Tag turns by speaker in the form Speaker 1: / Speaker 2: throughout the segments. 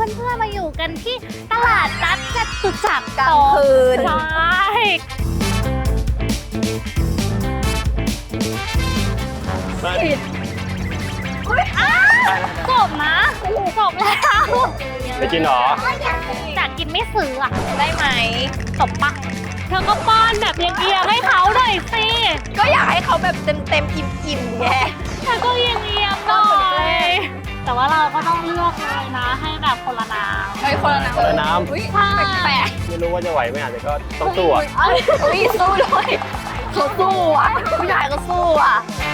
Speaker 1: พื่อนๆมาอยู่กันที่ตลาดนัดจตุจักร
Speaker 2: กลางคืน
Speaker 1: ใช่จบนะจบแล้ว
Speaker 3: ไปกินหรอ
Speaker 1: จากกินไม่ซื้ออะได้ไหมจบปะเธอก็ป้อนแบบเอียงๆให้เขาหน่อยสิ
Speaker 2: ก็อยากให้เขาแบบเต็มอิ่มไง
Speaker 1: เธอก็เอียงๆหน่อยแต่ว่าเราก็ต้องเลือกเลยนะให้แบบคนละน้ำ
Speaker 2: เฮ้ยคนละน้ำ
Speaker 3: คนละน้ำ
Speaker 2: อุ้ย
Speaker 1: ใช่
Speaker 2: แปลก
Speaker 3: ไม่รู้ว่าจะไหวไหมอาจจะก็ต้องสู้อ่ะ
Speaker 2: ๆอุ้ยสู้เลยเขาสู้อ่ะผู้ชายก็สู้อ่ะ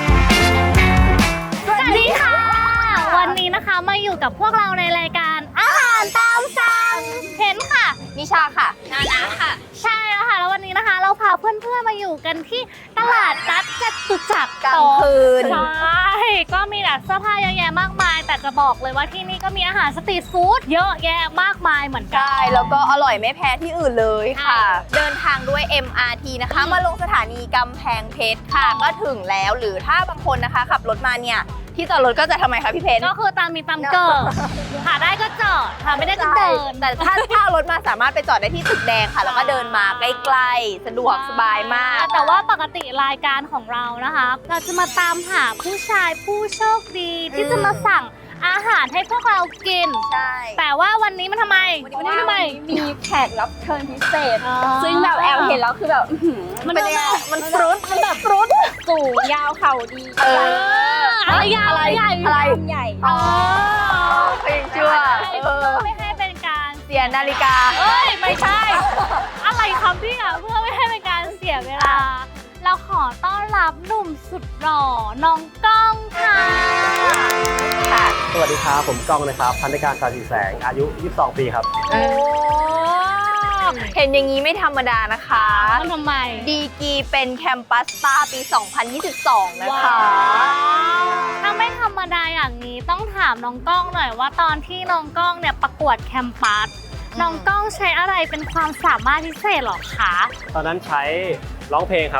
Speaker 1: สวัสดีค่ะ วันนี้นะคะมาอยู่กับพวกเราในรายการอาหารตามสั่งเห็นค่ะ
Speaker 2: นิชาค่ะนานะค่ะ
Speaker 1: ใช่แล้วค่ะแล้ววันนี้นะคะ เราพาเพื่อนๆมาอยู่กันที่ตลาดนัดจตุจักร
Speaker 2: กลางคืน
Speaker 1: ใช่ก็มีแบบเสื้อผ้าเยอะแยะมากมาย แต่จะบอกเลยว่าที่นี่ก็มีอาหารสตรีทฟู้ดเยอะแยะมากมายเหมือนกัน
Speaker 2: ใช่แล้วก็อร่อยไม่แพ้ที่อื่นเลยค่ะ
Speaker 1: ใช่
Speaker 2: เดินทางด้วย MRT นะคะ มาลงสถานีกำแพงเพชรค่ะ ก็ถึงแล้วหรือถ้าบางคนนะคะขับรถมาเนี่ยที่จอดรถก็จะทำไมคะพี่เพชร
Speaker 1: ก็คือตามมีตามเกิดหาได้ก็จอดหาไม่ได้ก็เดิน
Speaker 2: แต่ถ้ารถมาสามารถไปจอดได้ที่ตึกแดงค่ะ แล้วก็เดินมาใกล้ๆสะดวกสบายมาก
Speaker 1: แต่ว่าปกติรายการของเรานะคะ เราจะมาตามหาผู้ชายผู้โชคดีที่จะมาสั่งอาหารให้พวกเรากิน
Speaker 2: ใช่
Speaker 1: แต่ว่าวันนี้มันทำไม
Speaker 2: วันนี้ทำไม
Speaker 4: มีแขกรับเชิญพิเศษ
Speaker 1: อ๋อ
Speaker 4: ซึ่งแบบแอลเห็นแล้วคือแบบอื้อหือ
Speaker 1: มัน
Speaker 2: เป็น
Speaker 1: ดู
Speaker 2: ยังไง
Speaker 1: แบบ
Speaker 2: มันฟรุตมันแบบฟรุต
Speaker 4: สูงยาวเข่าดี
Speaker 1: อะไรยาวอะไรใหญ่
Speaker 2: อะไร
Speaker 4: ใหญ่
Speaker 1: อ๋อ
Speaker 2: เพลงชั่ว
Speaker 1: ไม่ให้เป็นการ
Speaker 2: เสียนาฬิกา
Speaker 1: เอ้ยไม่ใช่ อะไรคำที่อ่ะเพื่อไม่ให้เป็นการเสียเวลา เราขอต้อนรับหนุ่มสุดหล่อน้องก้องค่ะ
Speaker 2: ค่ะ
Speaker 3: สวัสดีครับ ผมก้องนะครับ พันธการสาสีแสง อายุ 22 ปีครับ
Speaker 2: โอ้เห็นอย่างนี้ไม่ธรรมดานะคะ
Speaker 1: มันทำไม
Speaker 2: ดีกรีเป็นแคมปัสสตาร์ปี 2022 นะคะ
Speaker 1: ถ้าไม่ธรรมดาอย่างนี้ต้องถามน้องก้องหน่อยว่าตอนที่น้องก้องเนี่ยประกวดแคมปัสน้องก้องใช้อะไรเป็นความสามารถพิเศษหรอคะ
Speaker 3: ตอนนั้นใช้ร้องเพลงครับ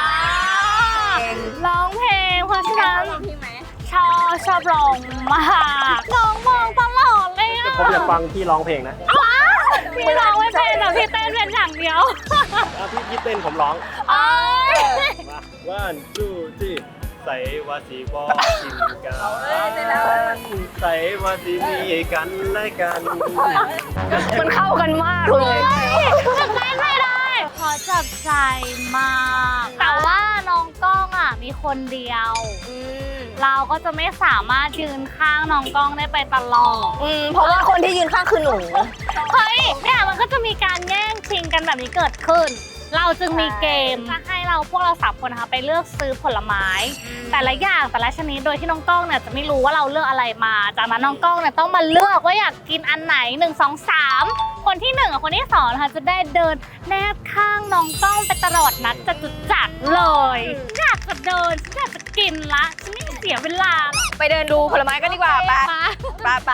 Speaker 1: ร้องเพลงเพราะฉะนั้น
Speaker 4: พี่ไหม
Speaker 1: ชอบร้องมากน้องมองตลอดเลยอะ
Speaker 3: ผมอยากฟังพี่ร้องเพลงนะ
Speaker 1: พี่ร้องไม่เป็นแต่พี่เต้นเป็นอย่างเดียว
Speaker 3: พี่เต้นผมร้อง
Speaker 1: เอ้ย
Speaker 3: มา 1 2 3ใส่ว่าสีบอกกินกันใส่ว่าสีมีกันและกัน
Speaker 2: มันเข้ากันมากเลย
Speaker 1: ทำได้ไม่ได้ขอจับใจมาก แต่ว่าน้องก้องอ่ะมีคนเดียว เราก็จะไม่สามารถยืนข้างน้องก้องได้ไปตลอด
Speaker 2: เพราะว่าคนที่ยืนข้างคือหนู
Speaker 1: เฮ้ยเนี่ยมันก็จะมีการแย่งชิงกันแบบนี้เกิดขึ้น เราจึงมีเกมจะให้พวกเราสามคนนะคะไปเลือกซื้อผลไม้ แต่ละอย่างแต่ละชนิดโดยที่น้องก้องเนี่ยจะไม่รู้ว่าเราเลือกอะไรมา จากนั้นน้องก้องเนี่ยต้องมาเลือกว่าอยากกินอันไหน1 2 3คนที่1กับคนที่2นะคะจะได้เดินแนบข้างน้องก้องไปตลอดนัดจตุจักรเลยอยากจะเดินอยากจะกินละฉันไม่เสียเวลา
Speaker 2: ไปเดินดูผลไม้กันดีกว่าไปไป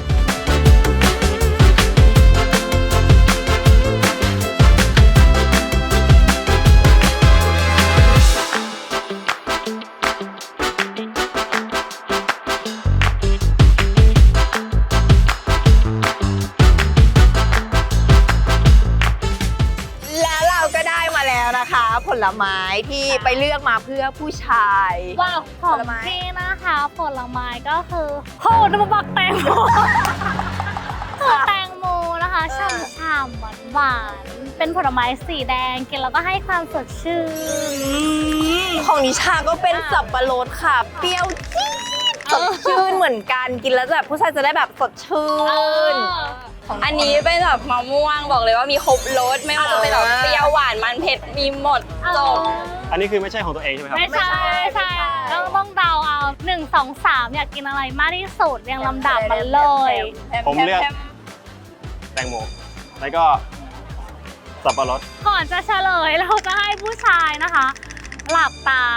Speaker 2: แล้วเราก็ได้มาแล้วนะคะ ผลไม้ที่ไปเลือกมาเพื่อผู้ชาย
Speaker 1: ว้าวของ
Speaker 2: ผลไม้
Speaker 1: พี่นะคะผลไม้ก็คือโหน้ำบักแตงโมคือแตงโมนะคะฉ่ำๆหวานๆเป็นผลไม้สีแดงกินแล้วก็ให้ความสดชื่น
Speaker 2: ของนิชาก็เป็นสับปะรดค่ะ เปรี้ยวจี๊ดสดชื่นเหมือนกันกินแล้วแบบผู้ชายจะได้แบบสดชื่น
Speaker 4: อันนี้เป็นแบบมะม่วงบอกเลยว่ามีครบรสไม่ว่าจะเป็นแบบเปรี้ยวหวานมันเผ็ดมีหมดจบ
Speaker 3: อันนี้คือไม่ใช่ของตัวเองใช่ไหมครับ
Speaker 1: ไม่ใช่ใช่ต้องเดาเอา1 2 3อยากกินอะไรมากที่สุดเรียงลำดับมันเลย
Speaker 3: ผมเลือก แตงโม แล้วก็สับปะรด
Speaker 1: ก่อนจะเฉลยเราจะให้ผู้ชายนะคะ หลับตา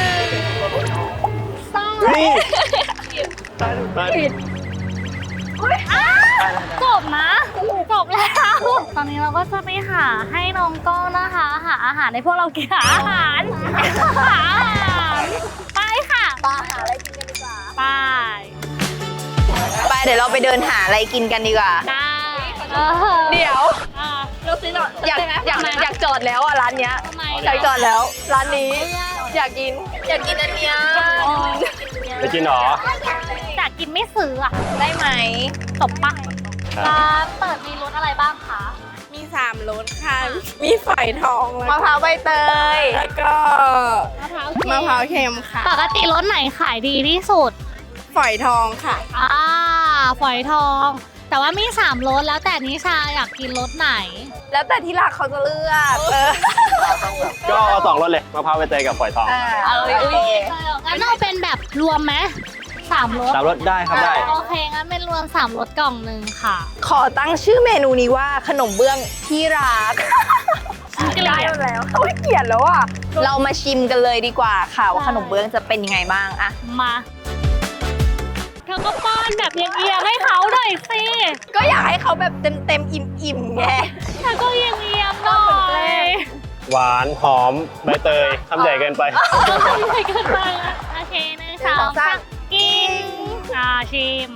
Speaker 1: ต้อง
Speaker 3: เฮ้ยได้
Speaker 1: จบนะจบแล้ว ตอนนี้เราก็จะไปหาให้น้องก้องนะคะ หาอาหารในพวกเรากินหาอาหารไปค่ะ
Speaker 2: ปลาหาอะไรกินกันดีกว่า
Speaker 1: ไป
Speaker 2: ไปเดี๋ยวเราไปเดินหาอะไรกินกันดีกว่า
Speaker 1: ได้เ
Speaker 2: เดี๋ยว
Speaker 1: อ่ะ
Speaker 4: เราซื้อหน่อย
Speaker 2: อยากจอดแล้วอ่ะร้านเนี้ย
Speaker 1: ทำไม
Speaker 2: อยากจอดแล้วร้านนี้อยากกินอันเนี้ย
Speaker 3: ไปกินหรอ
Speaker 1: อยากกินไม่ซื้ออ่ะ
Speaker 2: ได้ไหม
Speaker 1: จบปะ
Speaker 3: ครับ
Speaker 1: ร้านเปิดมีรสอะไรบ้างคะ
Speaker 4: มี3รสค่ะ มีฝอยทอง
Speaker 2: มะพร้าวใบเตย
Speaker 4: แล้วก็
Speaker 1: มะพร้าว
Speaker 4: มะพร้าวเค็มค่ะ
Speaker 1: ปกติรสไหนขายดีที่สุด
Speaker 4: ฝอยทองค่ะ
Speaker 1: ฝอยทอง แต่ว่ามี3รสแล้วแต่นิชาอยากกินรสไหน
Speaker 2: แล้วแต่ที่รักเขาจะเลือก
Speaker 3: ก็เอา2รสเลยมะพร้าวใบเตยกับฝอยทอง
Speaker 2: เอาเลย
Speaker 1: งั้นเอาเป็นแบบรวมไหม3รส
Speaker 3: 3รสได้ครับได้
Speaker 1: โอเค งั้นเป็นรวม3รสกล่องหนึ่งค่ะ
Speaker 2: ขอตั้งชื่อเมนูนี้ว่าขนมเบื้องที่รัก
Speaker 1: เกลียด
Speaker 2: ได้แล้วโอ้ยเกลียดแล้วอ่ะเรามาชิมกันเลยดีกว่าค่ะว่าขนมเบื้องจะเป็นยังไงบ้างอะ
Speaker 1: มาเธอก็ป้อนแบบเอียงๆให้เขาหน่อยสิ
Speaker 2: ก็อยากให้เขาแบบเต็มอิ่มไง
Speaker 1: เธอก็เอียงๆหน่อย
Speaker 3: หวานหอมใบเตยทำใหญ่เกินไป
Speaker 1: ไม่เกินไปละโอเค1 2 3กินชิม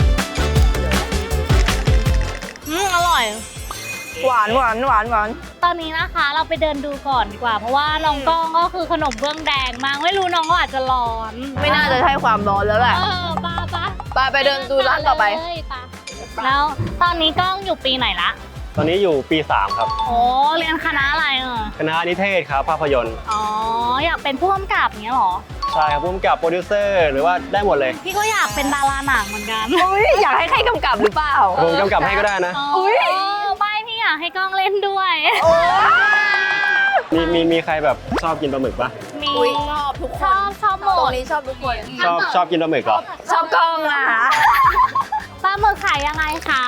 Speaker 1: อร่อย
Speaker 2: หวาน
Speaker 1: ตอนนี้นะคะเราไปเดินดูก่อนดีกว่า เพราะว่าน้องก้องก็คือขนมเบื้องแดงมากไม่รู้น้องก็อาจจะร้อน
Speaker 2: ไม่น่าจะใช่ความร้อนแล้วแหละ ไปเดินดูร้านต่อไป
Speaker 1: เลยแล้วตอนนี้ก้องอยู่ปีไหนละ
Speaker 3: ตอนนี้อยู่ปี 3 ครับ
Speaker 1: โอ้เรียนคณะอะไร
Speaker 3: คณะนิเทศครับภาพยนตร์
Speaker 1: อ๋ออยากเป็นผู้กำกับอย่างเงี้ยเหรอ
Speaker 3: ใช่ครับผู้กำกับโปรดิวเซอร์หรือว่าได้หมดเลย
Speaker 1: พี่ก็อยากเป็นดาราหนังเหมือนกัน
Speaker 2: อุ้ยอยากให้ใครกำกับหรือเปล่า
Speaker 3: ผมกำกับให้ก็ได้นะ
Speaker 1: อุ้ยไม่พี่อยากให้ก้องเล่นด้วย
Speaker 2: โอ้
Speaker 3: มีใครแบบชอบกินปลาหมึกปะ
Speaker 1: มี
Speaker 2: อุ๊ยชอบทุกคน
Speaker 1: ชอบหม
Speaker 2: ตรง
Speaker 1: ด
Speaker 2: นี้ชอบทุกคน
Speaker 3: ชอบกินปลาหมึกเหรอ
Speaker 2: ชอบกล้องอ่ะ
Speaker 1: ปลาหมึกขายยังไงคะ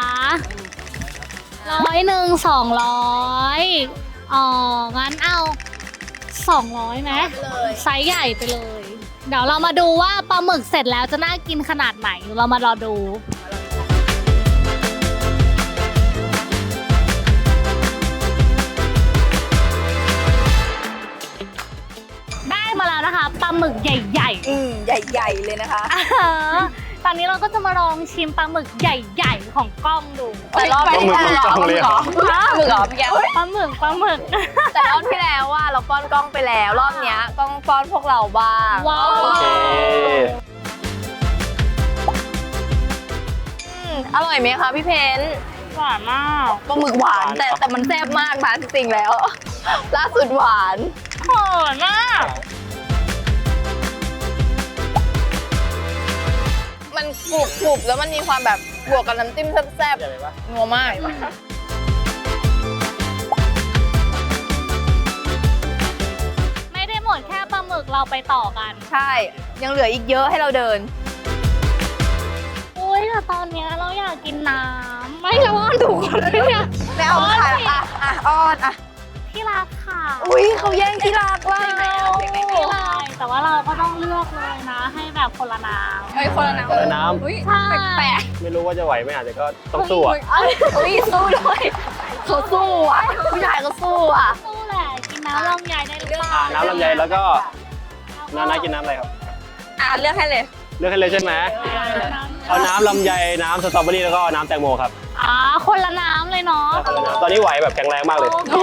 Speaker 1: 100 200อ๋องั้นเอา200ไหมไซส์ใหญ่ไปเลย เดี๋ยวเรามาดูว่าปลาหมึกเสร็จแล้วจะน่ากินขนาดไหนเรามารอดู ได้มาแล้วนะคะปลาหมึกใหญ่
Speaker 2: ใหญ่ๆเลยนะคะ
Speaker 1: ๆ ตอนนี้เราก็จะมาลองชิมปลาหมึกใหญ่ๆของกล้องดู
Speaker 2: แต่รอบที่แล้ว
Speaker 3: ปลาหมึกเลยเหรอ
Speaker 2: ปลาหมึกเหรอพี่แก้ว
Speaker 1: ปลาหมึก
Speaker 2: แต่รอบที่แล้วว่าเราป้อนกล้องไปแล้ว รอบเนี้ยกล้องป้อนพวกเราบ้าง
Speaker 1: ว้าว
Speaker 3: โอเค
Speaker 2: อร่อยไหมคะพี่เพน
Speaker 1: หวานมาก
Speaker 2: ปลาหมึกหวานแต่มันแซ่บมากนะจริงๆแล้ว ล่าสุดหวาน
Speaker 1: หอมมาก
Speaker 2: มันกรุบๆแล้วมันมีความแบบบวกกับน้ำจิ้มแซ่บๆนัวมาก
Speaker 1: ไม่ได้หมดแค่ปลาหมึกเราไปต่อกัน
Speaker 2: ใช่ ยังเหลืออีกเยอะให้เราเดิน
Speaker 1: อุ้ยแต่ตอนเนี้ยเราอยากกินน้ำไม่เราอ้อนถูกคนเลยเนี่ย
Speaker 2: ไม่เอาค่ะอ้อนอ่ะ
Speaker 1: ที่รักค่ะ
Speaker 2: อุ้ยเขาแย่งที่รักว่า
Speaker 1: ไม่ไรแต่ว่าเราก็ต้องเลือกเลยนะ ให้แบบคนละน้ำ
Speaker 2: เฮ้ยคนละน้ำ
Speaker 3: คนละน้ำ
Speaker 2: อุ้ย
Speaker 1: ใช่
Speaker 2: แปลก
Speaker 3: ไม่รู้ว่าจะไหวไหมอาจจะก็ต้องสู้อะ
Speaker 2: อุ้ยสู้ด้วยเขาสู้อ่ะผู้ชายก็สู้อ่ะ
Speaker 1: สู้แหละกินน้ำลำไยได้หรือเปล่า
Speaker 3: น้ำลำไยแล้วก็น้ากินน้ำอะไรครับ
Speaker 4: เลือกให้เลย
Speaker 3: เลือกให้เลยใช่ไหมเอาน้ำลำไยน้ำสตรอเบอรี่แล้วก็น้ำแตงโมครับ
Speaker 1: คนละน้ำเลยเนาะ
Speaker 3: เอาคนละน้ำตอนนี้ไหวแบบแข็งแรงมากเลย
Speaker 1: โอเค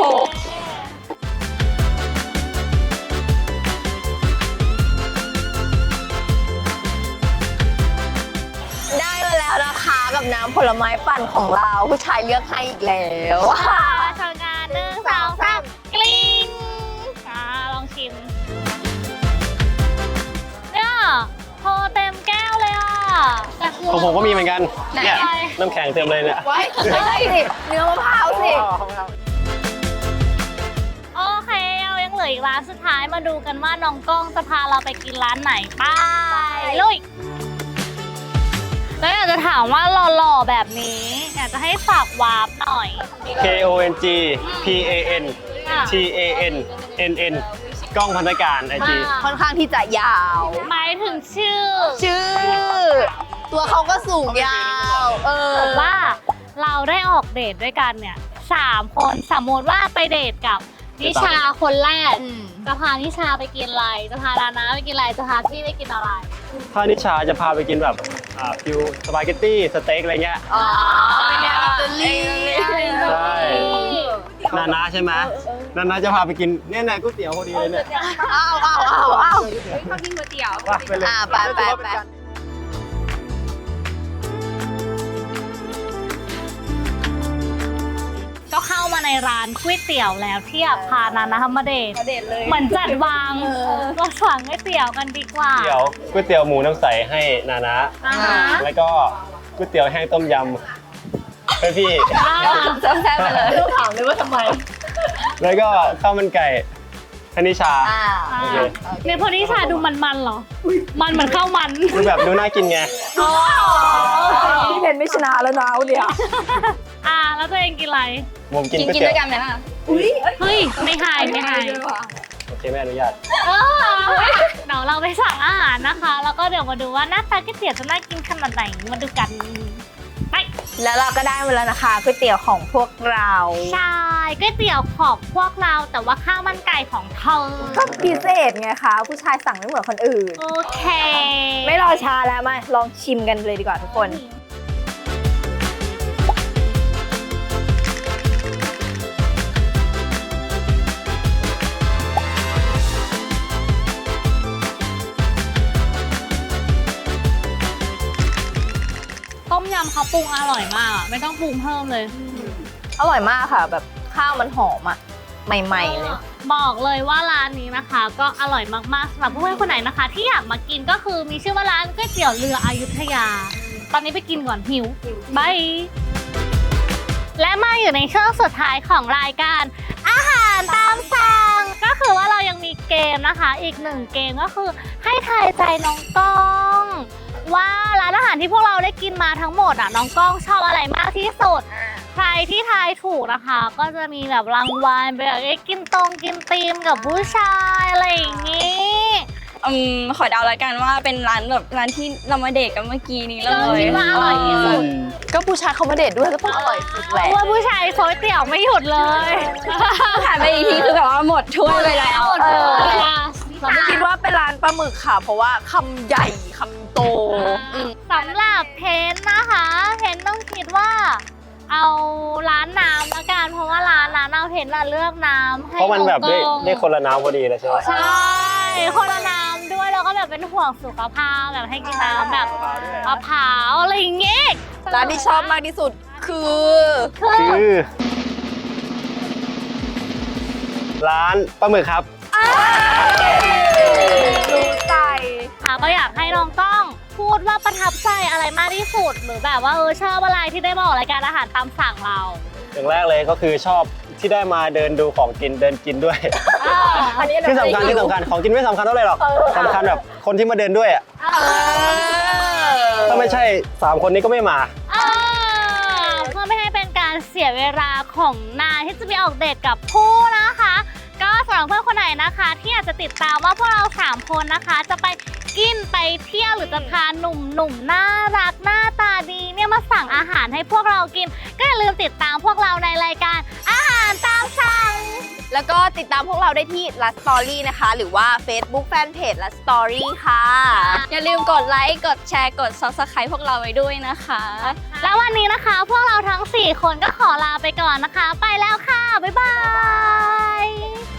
Speaker 2: ได้มาแล้วนะคะกับน้ำผลไม้ปั่นของเราผู้ชายเลือกให้อีกแล้ว
Speaker 1: ทำงาน1 2 3กลิ้งลองชิมเนี่ยโทรเต็มแก้วเลยอ่ะแต่คือ
Speaker 3: ของผมก็มีเหมือนกัน เนี่ย
Speaker 1: ไหน
Speaker 3: น้ำแข็งเต็มเลยเนี่ย
Speaker 2: ไว้ไม่ใช่สิเนื้อมะพร้าวสิ
Speaker 1: โอเคเรายังเหลืออีกร้านสุดท้ายมาดูกันว่าน้องก้องจะพาเราไปกินร้านไหนไปลุยแล้วอยากจะถามว่าหล่อๆแบบนี้อยากจะให้ฝากวาร์ปหน่อย
Speaker 3: KONG PAN
Speaker 1: อ่ะ
Speaker 3: TAN NN กล้องพันธการไอจี
Speaker 2: ค่อนข้างที่จะยาว
Speaker 1: หมายถึงชื่อ
Speaker 2: ชื่อ ตัวเขาก็สูงยาว
Speaker 1: ผมว่าเราได้ออกเดทด้วยกันเนี่ย3 คนสมมติว่าไปเดทกับนิชาคนแรก จะพานิชาไปกินอะไร จะพาดานาไปกินอะไร จะพาพี่ไปกินอะไร
Speaker 3: ถ้านิชาจะพาไปกินแบบฟิวสปาเกตตี้สเต็กอะไรเงี้ย
Speaker 2: อ๋อเป็นแนวอิตาลี
Speaker 3: ใช่นานาใช่ไหมนานาจะพาไปกินเนี่ยก๋วยเตี๋ยวพอดีเลยเนี่ย
Speaker 2: อ้าว
Speaker 4: ชอบกินก๋วยเตี๋ยว
Speaker 3: ว่าไปเลย
Speaker 2: ไป
Speaker 1: ก็เข้ามาในร้านก๋วยเตี๋ยวแล้วที่พานานะมาเดท
Speaker 4: เด็ดเลย
Speaker 1: เหมือนจัดวางเราสั่งก๋วยเตี๋ยวกันดีกว่า
Speaker 3: เดี๋ยวก๋วยเตี๋ยวหมูน้ำใสให้นานะ
Speaker 1: อ่าฮะ
Speaker 3: แล้วก็ก๋วยเตี๋ยวแห้งต้มยำให้พี่
Speaker 4: แซ่บๆไปเลย
Speaker 2: ถามเลยว่าทำไม
Speaker 3: แล้วก็ข้าวมันไก่ให้นิชา โอเค
Speaker 1: เนี่ยพอนิชาดูมันๆเหรอ มันเหมือนข้าวมัน
Speaker 3: คือแบบดูน่ากินไง
Speaker 2: พี่เพนไม่ชนะแล้วนะเนี่ย
Speaker 1: แล้วตัวเองกินอะไร
Speaker 3: ผมกิน
Speaker 4: กิน
Speaker 3: ก๋วย
Speaker 4: ด้วย
Speaker 3: เตี๋ยว
Speaker 4: กันไหมล่ะ
Speaker 1: เฮ้ย ไม่หายไม่หาย
Speaker 3: โอเคไม่อนุญาต
Speaker 1: เดี๋ยวเราไปสั่งอาหารนะคะ แล้วก็เดี๋ยวมาดูว่าหน้าตาก๋วยเตี๋ยวจะน่ากินขนาดไหน มาดูกัน ไป
Speaker 2: แล้วเราก็ได้มาแล้วนะคะก๋วยเตี๋ยวของพวกเรา
Speaker 1: ใช่ก๋วยเตี๋ยวของพวกเราแต่ว่าข้าวมันไก่ของเธอ
Speaker 2: ก็พิเศษไงคะผู้ชายสั่งไม่เหมือนคนอื่น
Speaker 1: โอเค
Speaker 2: ไม่รอช้าแล้วมาลองชิมกันเลยดีกว่าทุกคน
Speaker 1: ต้มยำเขาปรุงอร่อยมากอะไม่ต้องปรุงเพิ่มเลย
Speaker 2: อร่อยมากค่ะ แบบข้าวมันหอมอ่ะ ใหม่ๆเลย
Speaker 1: บอกเลยว่าร้านนี้นะคะ ก็อร่อยมากๆสำหรับเพื่อนๆคนไหนนะคะ ที่อยากมากินก็คือมีชื่อว่าร้านก๋วยเตี๋ยวเรืออยุธยา ตอนนี้ไปกินก่อนหิวบายและมาอยู่ในช่วงสุดท้ายของรายการอาหารตามสั่งก็คือว่าเรายังมีเกมนะคะ อีกหนึ่งเกมก็คือให้ทายใจน้องก้องว่าร้านอาหารที่พวกเราได้กินมาทั้งหมดอ่ะน้องก้องชอบอะไรมากที่สุด ใครที่ทายถูกนะคะ ก็จะมีแบบรางวัลไปแบบกินกินตีมกับผู้ชายอะไรอย่างนี้
Speaker 4: ขอเดาแล้วกันว่าเป็นร้านแบบร้านที่เรามาเดทกันเมื่อกี้นี้เล
Speaker 1: เรา
Speaker 4: ย
Speaker 1: คิดว่าอร่อยที่สุด
Speaker 2: ก็ผู้ชายเขามาเดทด้วยก็ต้องอร่อยสุดแหละ
Speaker 1: ว่าผู้ชายโซยเตี๋ยวไม่หยุดเลย
Speaker 4: ผ่านไปอีกทีคือแบบว่าหมดถ้วยไปแล้ว
Speaker 2: เราไม่คิดว่าเป็นร้านปลาหมึกค่ะ เพราะว่าคำใหญ่คำโต
Speaker 1: สำหรับเพนนะคะเพนต้องคิดว่า เอาร้านน้ำละกันเพราะว่าร้านนั้นเอาเพนน่ะเลือกน้ำให้
Speaker 3: เพราะมันแบบได้
Speaker 1: อง
Speaker 3: ได้คนละน้ำพอดีเลยใช่ไหม
Speaker 1: ใช่คนละน้ำด้วยแล้วก็แบบเป็นห่วงสุขภาพแบบให้กินน้ำแบบมะพร้าวอะไรอย่างเงี้ย
Speaker 2: ร้านที่ชอบมากที่สุดคือ
Speaker 3: คือ ร้านปลาหมึกครับ
Speaker 2: รู้ใจ
Speaker 1: ค่ะก็อยากให้น้องต้องพูดว่าประทับใจอะไรมากที่สุดหรือแบบว่าชอบอะไรที่ได้มาออกรายการอาหารตามสั่งเรา
Speaker 3: อย่างแรกเลยก็คือชอบที่ได้มาเดินดูของกินเดินกินด้วย
Speaker 2: อันนี้
Speaker 3: ที่สำคัญของกินไม่สำคัญเท่าไหร่หรอกสำคัญแบบคนที่มาเดินด้วยอ่ะถ้าไม่ใช่3คนนี้ก็ไม่มา
Speaker 1: เพื่อไม่ให้เป็นการเสียเวลาของนายที่จะไปออกเดทกับผู้นะคะ ก็สำหรับเพื่อนคนไหนนะคะ ที่อยากจะติดตามว่าพวกเรา3คนนะคะ จะไปกินไปเที่ยวหรือจะพาหนุ่มๆน่ารักหน้าตาดีเนี่ยมาสั่งอาหารให้พวกเรากิน ก็อย่าลืมติดตามพวกเราในรายการอาหารตามสั่ง
Speaker 2: แล้วก็ติดตามพวกเราได้ที่ Last Story นะคะ หรือว่า Facebook Fanpage Last Story ค่ะ
Speaker 4: อย่าลืมกดไลค์ กดแชร์ กด Subscribe พวกเราไว้ด้วยนะคะ
Speaker 1: แล้ววันนี้นะคะ พวกเราทั้ง4คนก็ขอลาไปก่อนนะคะ ไปแล้วค่ะ บ๊ายบาย